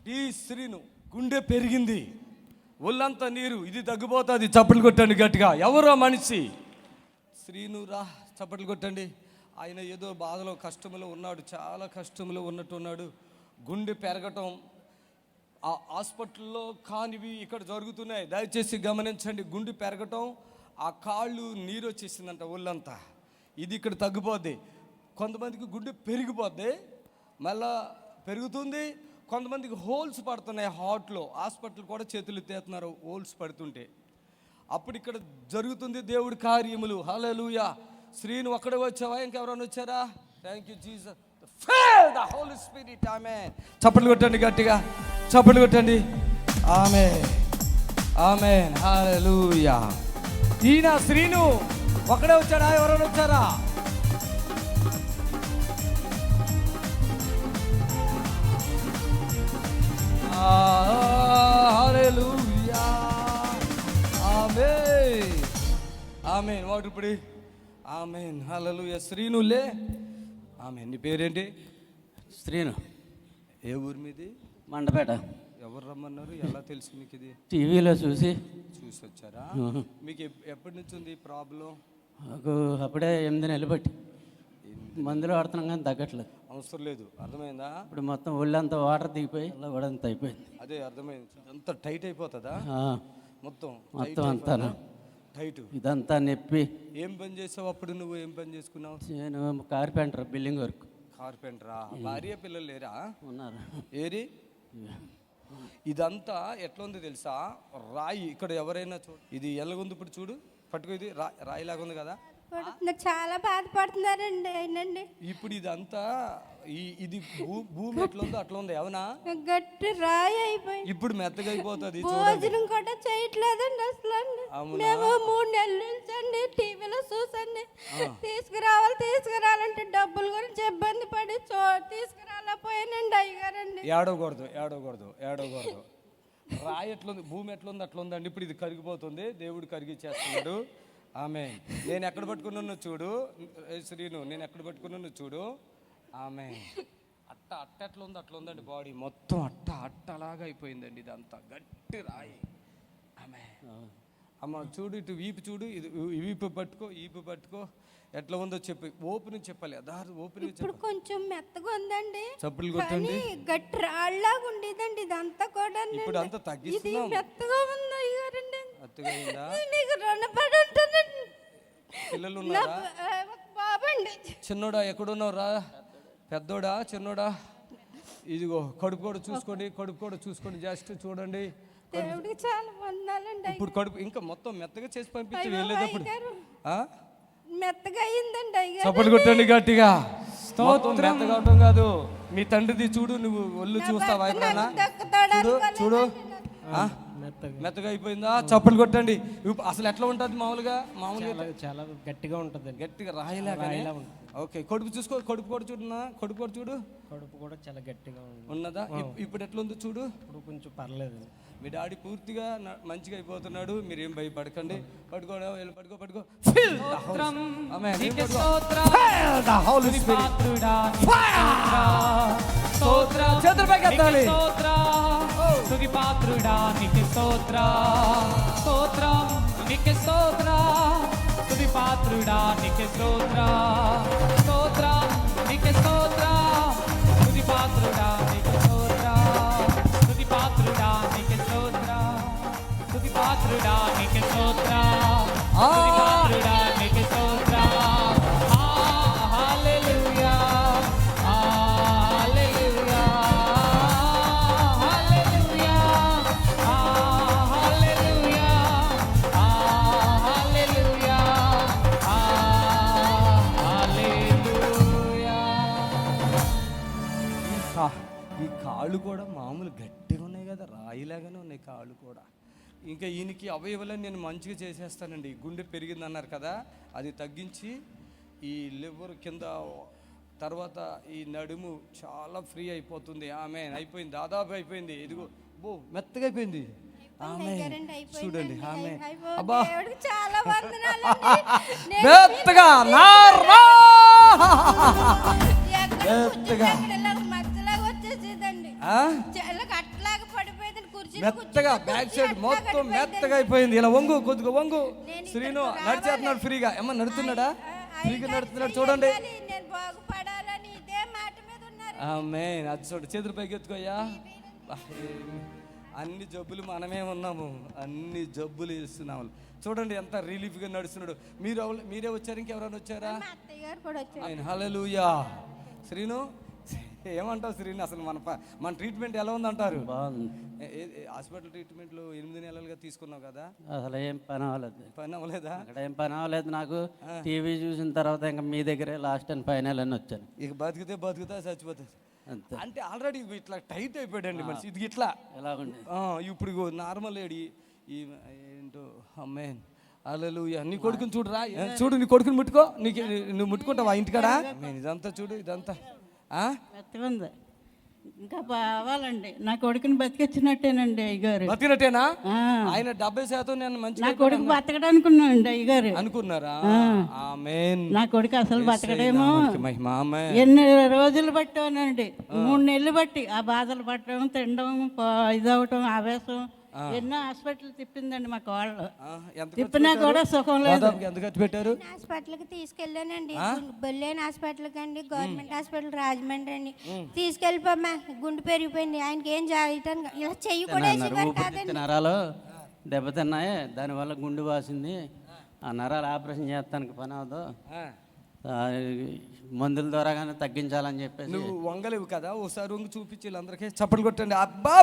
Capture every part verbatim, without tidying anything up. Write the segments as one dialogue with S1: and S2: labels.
S1: D Srinu గుండె పెరిగింది, ఒళ్ళంతా నీరు, ఇది తగ్గిపోతుంది. చప్పట్లు కొట్టండి గట్టిగా. ఎవరో మనిషి శ్రీను రా, చప్పట్లు కొట్టండి. ఆయన ఏదో బాధలో కష్టంలో ఉన్నాడు, చాలా కష్టంలో ఉన్నట్టున్నాడు. గుండె పెరగటం ఆ హాస్పిటల్లో కానివి ఇక్కడ జరుగుతున్నాయి, దయచేసి గమనించండి. గుండె పెరగటం, ఆ కాళ్ళు నీరు వచ్చేసిందంట ఒళ్ళంతా, ఇది ఇక్కడ తగ్గిపోద్ది. కొంతమందికి గుండె పెరిగిపోద్ది, మళ్ళా పెరుగుతుంది. కొంతమందికి హోల్స్ పడుతున్నాయి హార్ట్లో, హాస్పిటల్ కూడా చేతులు ఎత్తేస్తున్నారు హోల్స్ పడుతుంటే. అప్పుడు ఇక్కడ జరుగుతుంది దేవుడి కార్యములు. హల్లెలూయా. శ్రీను ఒక్కడే వచ్చావా, ఇంకెవరైనా వచ్చారా? Thank you Jesus. Fill the Holy Spirit. Amen. చప్పట్లు కొట్టండి గట్టిగా, చప్పట్లు కొట్టండి. ఆమేన్, ఆమేన్, హల్లెలూయా. ఈయన శ్రీను ఒక్కడే వచ్చాడా, ఎవరైనా వచ్చారా? హల్లెలూయా. ఆమేన్, ఆమేన్. వాడు ఇప్పుడు ఆమేన్, హల్లెలూయా. శ్రీనులే. ఆమేన్. నీ పేరేంటి?
S2: శ్రీను.
S1: ఏ ఊరి మీది?
S2: మండపేట.
S1: ఎవరు రమ్మన్నారు, ఎలా తెలుసు మీకు? ఇది
S2: టీవీలో చూసి
S1: చూసి వచ్చారా? మీకు ఎప్పటి నుంచి ఉంది ప్రాబ్లం?
S2: నాకు అప్పుడే ఎనిమిది నెలలు బట్టి మందులు వాడుతున్నాం కానీ తగ్గట్లేదు.
S1: అవసరం లేదు, అర్థమైందా?
S2: ఇప్పుడు మొత్తం ఒళ్ళంతా వాటర్ దిగిపోయి అలా కూడా అంత అయిపోయింది.
S1: అదే అర్థమైంది. అంత టైట్ అయిపోతుందా?
S2: మొత్తం మొత్తం అంతా
S1: టైట్.
S2: ఇదంతా నొప్పి.
S1: ఏం పని చేసావు అప్పుడు? నువ్వు ఏం పని చేసుకున్నావు?
S2: నేను కార్పెంటర్, బిల్డింగ్ వర్క్.
S1: కార్పెంటరా? భార్య పిల్లలు లేరా?
S2: ఉన్నారు.
S1: ఏరి? ఇదంతా ఎట్లా ఉంది తెలుసా? రాయి. ఇక్కడ ఎవరైనా చూడు, ఇది ఎలాగుంది ఇప్పుడు చూడు, పట్టుకో. ఇది రా రాయిలాగా ఉంది కదా,
S3: చాలా బాధపడుతున్నారండి ఆయనండి.
S1: ఇప్పుడు ఇదంతా ఈ ఇది భూమి ఎట్లా ఉందో అట్లా ఉంది, అవునా?
S3: గట్టి రాయి అయిపోయింది.
S1: ఇప్పుడు మెత్తగా అయిపోతుంది.
S3: భోజనం కూడా చేయట్లేదండి అసలు. మేము మూడు నెలల నుంచి అండి టీవీలో చూసండి, తీసుకురావాలి తీసుకురావాలంటే డబ్బుల గురించి ఇబ్బంది పడి చో తీసుకురాలేకపోయానండి అయ్యగారండి.
S1: ఏడవకూడదు, ఏడవకూడదు, ఏడవకూడదు. రాయి ఎట్లుంది, భూమి ఎట్లుంది అట్లా ఉందండి. ఇప్పుడు ఇది కరిగిపోతుంది, దేవుడు కరిగిచ్చేస్తున్నాడు. ఆమె నేను ఎక్కడ పట్టుకున్నాను చూడు శ్రీను, నేను ఎక్కడ పట్టుకున్నాను చూడు. ఆమె అట్ట అట్ట ఎట్లా ఉంది అట్లా ఉందండి, బాడీ మొత్తం అట్ట అట్టలాగా అయిపోయిందండి. ఇదంతా గట్టి రాయి. ఆమె అమ్మ చూడు, ఇటు వీపు చూడు, ఇది వీపు పట్టుకో, ఈపు పట్టుకో, ఎట్లా ఉందో చెప్పి ఓపెన్ చెప్పాలి. అదారు ఓపెన్.
S3: ఇప్పుడు కొంచెం మెత్తగా ఉందండి,
S1: చప్పులు కొట్టండి.
S3: గట్టి రాళ్ళలాగా ఉండేదండి ఇదంతా కూడా.
S1: ఇప్పుడు అంతా తగ్గిస్తున్నాం.
S3: మెత్తగా ఉంది అయ్యారండి.
S1: మెత్తగా
S3: నీకు రుణపడి ఉంటానండి.
S1: పిల్లలు ఉన్నారా?
S3: బాబండి.
S1: చిన్నోడా? ఎక్కడున్నావురా? పెద్దోడా చిన్నోడా? ఇదిగో కడుపు కూడా చూసుకోండి, కడుపు కూడా చూసుకోండి, జస్ట్ చూడండి.
S3: దేవుడికి చాలా వందనాలండి.
S1: ఇప్పుడు కడుపు ఇంకా మొత్తం మెత్తగా చేసి పంపించి వెళ్ళేటప్పుడు
S3: మెత్తగా అయ్యిందండి అయ్యగారు.
S1: చప్పట్లు కొట్టండి గట్టిగా. మెత్తగా అవటం కాదు, మీ తండ్రిది చూడు, నువ్వు ఒళ్ళు చూస్తావా ఎప్పుడన్నా? చూడు చూడు, మెత్తగా అయిపోయిందా? చప్పట్లు కొట్టండి. అసలు ఎట్లా ఉంటుంది మామూలుగా? మామూలుగా
S2: చాలా గట్టిగా ఉంటుంది,
S1: గట్టిగా రాయిలాగా. ఓకే, కడుపు చూసుకో, కడుపు కూడా చూడున్నా, కడుపు కూడా చూడు.
S2: కడుపు కూడా చాలా గట్టిగా
S1: ఉన్నదా? ఇప్పుడు ఎట్లా ఉందో చూడు.
S2: ఇప్పుడు కొంచెం పర్లేదు.
S1: మీ డాడీ పూర్తిగా మంచిగా అయిపోతున్నాడు, మీరేం భయపడకండి. పడుకోవడం వెళ్ళి పడుకో పడుకో. చేతులపైకి ఎత్తాలి.
S4: స్తుతి పాత్రుడా నీకే స్తోత్ర, స్తోత్రం నీకే స్తోత్ర, స్తుతి పాత్రుడా నీకే స్తోత్ర, స్తోత్రం నీకే స్తోత్ర, స్తుతి పాత్రుడా నీకే స్తోత్ర, స్తుతి పాత్రుడా నీకే స్తోత్ర, స్తుతి పాత్రుడా నీకే స్తోత్ర, స్తుతి పాత్రుడా నీకే స్తోత్ర. హల్లెలూయా, హల్లెలూయా, హల్లెలూయా, హల్లెలూయా, హల్లెలూయా, హల్లెలూయా.
S1: ఈ కాళ్ళు కూడా మామూలు గట్టిగా ఉన్నాయి కదా, రాయిలాగానే ఉన్నాయి కాళ్ళు కూడా. ఇంకా ఈయనకి అవయవాలని నేను మంచిగా చేసేస్తానండి. గుండె పెరిగింది అన్నారు కదా, అది తగ్గించి ఈ లివర్ కింద, తర్వాత ఈ నడుము చాలా ఫ్రీ అయిపోతుంది. ఆమె అయిపోయింది, దాదాపు అయిపోయింది. ఇదిగో బో మెత్తగా అయిపోయింది. ఆమె చూడండి, ఆమె అబ్బా
S3: చాలా
S1: మెత్తగా నారా మెత్తగా
S3: మధ్యలాగా వచ్చేసేదండి.
S1: మెత్తగా బ్యాక్ సైడ్ మొత్తం మెత్తగా అయిపోయింది. ఇలా వంగు కొద్దిగా వంగు. శ్రీను నడిచేస్తున్నాడు ఫ్రీగా. ఏమన్నా నడుతున్నాడా? ఫ్రీగా నడుస్తున్నాడు చూడండి.
S3: నేను బాగుపడాలని ఇదే మాట మీద ఉన్నారు.
S1: ఆమె అది చూడు, చేతులు పైకి ఎత్తుకోయ్యా. అన్ని జబ్బులు మనమే ఉన్నాము, అన్ని జబ్బులు ఇస్తున్నాము. చూడండి ఎంత రిలీఫ్గా నడుస్తున్నాడు. మీరు ఎవరు- మీరే వచ్చారు, ఇంకెవరైనా వచ్చారా?
S3: మా అత్తయ్య గారు కూడా వచ్చారు.
S1: ఆయన హల్లెలూయా. శ్రీను ఏమంటావు శ్రీను? అసలు మన ప- మన ట్రీట్మెంట్ ఎలా ఉందంటారు?
S2: బాగుంది.
S1: ఏ- ఏ- హాస్పిటల్ ట్రీట్మెంట్లు ఎనిమిది నెలలుగా తీసుకున్నావు కదా,
S2: అసలు ఏం పని అవ్వలేదు.
S1: పని అవ్వలేదా?
S2: అక్కడ ఏం పని అవ్వలేదు నాకు. టీవీ చూసిన తర్వాత ఇంకా మీ దగ్గరే లాస్ట్ అండ్ ఫైనల్ అని వచ్చాను
S1: ఇక బతికితే బతుకుతా, చచ్చిపోతుంది
S2: అంతే.
S1: అంటే ఆల్రెడీ ఇట్లా టైట్ అయిపోయాడండి మనిషి. ఇది ఇట్లా
S2: ఎలాగుంది?
S1: ఆ, ఇప్పుడు నార్మల్ ఏడి ఈ ఏంటో అమ్మే హల్లెలూయా. నీ కొడుకుని చూడురా, చూడు నీ కొడుకుని ముట్టుకో. నీకు నువ్వు ముట్టుకుంటావా ఇంటికాడ? నేను ఇదంతా చూడు, ఇదంతా ఆ?
S5: మెత్తగా ఉంది. ఇంకా బావాలండి. నా కొడుకుని బతికిచ్చినట్టేనండి అయ్యగారు.
S1: బతికినట్టేనా?
S5: ఆ.
S1: ఆయన డెబ్బై శాతం నేను
S5: నా
S1: మంచిగా
S5: కొడుకు బతకడనుకున్నానండి అయ్యగారు.
S1: అనుకున్నారా? ఆమేన్.
S5: నా కొడుకు అసలు బతకడేమో.
S1: మహిమ ఆమేన్.
S5: ఎన్ని రోజులు పట్టానండి, మూడు నెలలు బట్టి ఆ బాధలు పట్టడం, తినడం, ప- ఇదవటం, ఆవేశం, ఎన్నో హాస్పిటల్ తిప్పిందండి మా కోళ్ళు.
S1: ఆ, ఎంత
S5: తిప్పినా కూడా సుఖం లేదు.
S1: దాదాపుగా ఎంత ఖర్చు పెట్టారు?
S3: హాస్పిటల్కి తీసుకెళ్ళానండి. బొల్లేని హాస్పిటల్కి అండి, గవర్నమెంట్ హాస్పిటల్ రాజమండ్రి అండి. తీసుకెళ్ళిపోమ్మా, గుండు పెరిగిపోయింది. ఆయనకి ఏం చేయటం ఇలా చెయ్యి కూడా వేసేవారు కాదండి.
S2: ఊపిరితిత్తు నరాలు దెబ్బతిన్నాయి, దానివల్ల గుండు వాసింది. ఆ నరాలు ఆపరేషన్ చేస్తానికి పని అవదు.
S1: ఆ,
S2: ఆ, మందుల ద్వారా కానీ తగ్గించాలని చెప్పేసి
S1: నువ్వు వంగలేవు కదా, ఒకసారి వంగి చూపించి వీళ్ళందరికీ చప్పట్లు కొట్టండి.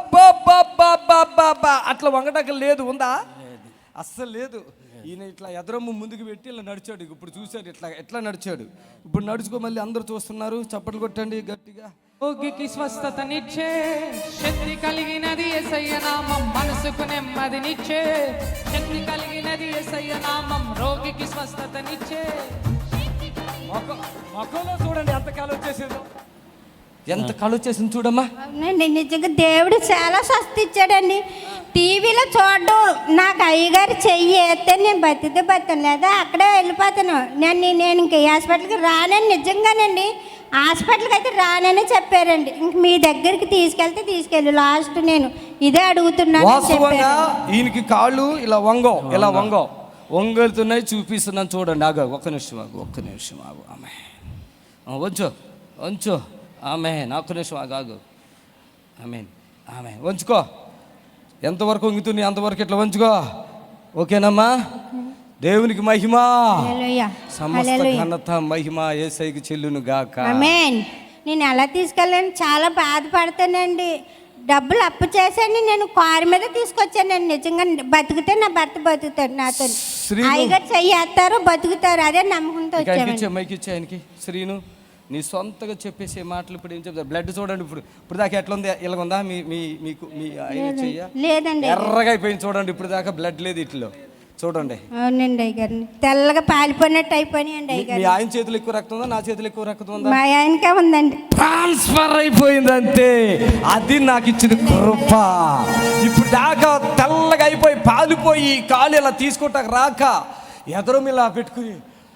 S1: అబ్బా అట్లా వంగటం లేదు, ఉందా? అస్సలు లేదు. ఈయన ఇట్లా ఎదరమ్మ ముందుకు పెట్టి ఇలా నడిచాడు. ఇప్పుడు చూశాడు ఇట్లా ఎట్లా నడిచాడు. ఇప్పుడు నడుచుకో, మళ్ళీ అందరూ చూస్తున్నారు. చప్పట్లు కొట్టండి గట్టిగా.
S4: రోగికి స్వస్థతనిచ్చే శక్తి కలిగినది యేసయ్య నామం, మనసుకు నెమ్మదినిచ్చే శక్తి కలిగినది యేసయ్య నామం, రోగికి స్వస్థతనిచ్చే.
S1: మొక్క మొక్కలో చూడండి ఎంత కాలు వచ్చేసిందో, ఎంత కాలు వచ్చేసింది చూడమ్మా.
S3: అవునండి, నిజంగా దేవుడు చాలా స్వస్థ ఇచ్చాడండి. టీవీలో చూడడం, నాకు అయ్యగారు చెయ్యి వేస్తే నేను బతితే బతాను, లేదా అక్కడే వెళ్ళిపోతాను. నేను నేను ఇంక ఈ హాస్పిటల్కి రానని నిజంగానండి హాస్పిటల్కి అయితే రానని చెప్పారండి. ఇంక మీ దగ్గరికి తీసుకెళ్తే తీసుకెళ్ళి లాస్ట్ నేను ఇదే అడుగుతున్నాను అని
S1: వాస్తవంగా
S3: చెప్పారు.
S1: ఈయనకి కాళ్ళు ఇలా వంగో, ఇలా వంగో వంగలుతున్నాయి, చూపిస్తున్నాను చూడండి. ఆగు, ఒక్క నిమిషం ఆగు, ఒక్క నిమిషం ఆగు. ఆమె వంచు వంచు, ఆమె ఒక్క నిమిషం ఆగు ఆగు. ఆమె ఆమె వంచుకో. ఎంతవరకు వంగుతుంది అంతవరకు ఇట్లా వంచుకో. ఓకేనమ్మా? దేవునికి మహిమ,
S3: హల్లెలూయా,
S1: సమస్త
S3: హల్లెలూయా.
S1: ఘనత మహిమ యేసయ్యకి చెల్లును గాక.
S3: ఆమేన్. నేను ఎలా తీసుకెళ్ళాను, చాలా బాధపడతానండి. డబ్బులు అప్పు చేశాను, నేను కారు మీద తీసుకొచ్చానండి. నిజంగా బతికితే నా భర్త బతుకుతాడు నాతో.
S1: శ్రీను.
S3: అయ్యగారు చెయ్యేస్తారు, బతుకుతారు, అదే నమ్మకంతో వచ్చామండి.
S1: ఇచ్చే మైకి ఇచ్చే ఆయనకి. శ్రీను, నీ సొంతగా చెప్పేసే మాటలు ఇప్పుడు ఏం చెప్తారు? బ్లడ్ చూడండి. ఇప్పుడు ఇప్పుడు దాకా ఎట్లా ఉంది? ఇలాగుందా? మీ మీ మీకు మీ ఆయన చెయ్య
S3: లేదండి.
S1: ఎర్రగా అయిపోయింది చూడండి. ఇప్పుడు దాకా బ్లడ్ లేదు ఇట్లో చూడండి.
S3: అవునండి అయ్యగారిని, తెల్లగా పాలిపోయినట్టు అయిపోయినాయండి
S1: మీ
S3: అయ్యగారు.
S1: ఆయన చేతులు ఎక్కువ రక్తం ఉందా, నా చేతులు ఎక్కువ రక్తం ఉందా?
S3: మా ఆయనకే ఉందండి.
S1: ట్రాన్స్ఫర్ అయిపోయింది అంతే. అది నాకు ఇచ్చిన కృప. ఇప్పుడు దాకా తెల్లగా అయిపోయి పాలిపోయి కాలు ఇలా తీసుకుంటాక రాక ఎదరం ఇలా పెట్టుకుని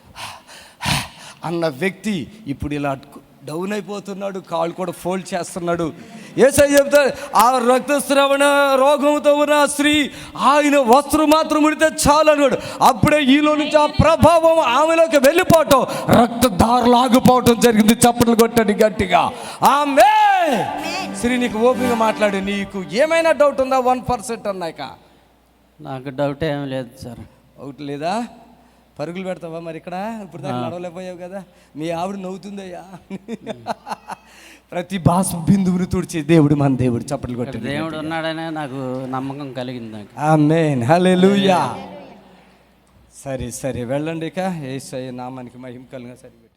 S1: అన్న వ్యక్తి ఇప్పుడు ఇలా డౌన్ అయిపోతున్నాడు, కాళ్ళు కూడా ఫోల్డ్ చేస్తున్నాడు. యేసయ్య చెప్తాడు, ఆ రక్తస్రావణ రోగంతో ఉన్న స్త్రీ ఆయన వస్త్రం మాత్రం ముడితే చాలు అన్నాడు. అప్పుడే ఈలో నుంచి ఆ ప్రభావం ఆమెలోకి వెళ్ళిపోవటం, రక్తధారలు ఆగిపోవటం జరిగింది. చప్పట్లు కొట్టండి గట్టిగా. ఆమె శ్రీ, నీకు ఓపికగా మాట్లాడు. నీకు ఏమైనా డౌట్ ఉందా? వన్ పర్సెంట్ అన్నాక
S2: నాకు డౌట్ ఏం లేదు సార్.
S1: ఒకటి లేదా? పరుగులు పెడతావా మరి ఇక్కడ? ఇప్పుడు దాకా నడవలేకపోయావు కదా. మీ ఆవిడ నవ్వుతుందయ్యా. ప్రతి భాష బిందువుని తుడిచే దేవుడు మన దేవుడు. చప్పట్లు కొట్టి
S2: దేవుడు ఉన్నాడనే నాకు నమ్మకం కలిగింది నాకు.
S1: ఆమేన్, హల్లెలూయా. సరే సరే వెళ్ళండి ఇక. యేసయ్య నామానికి మహిమ కలుగా. సరే.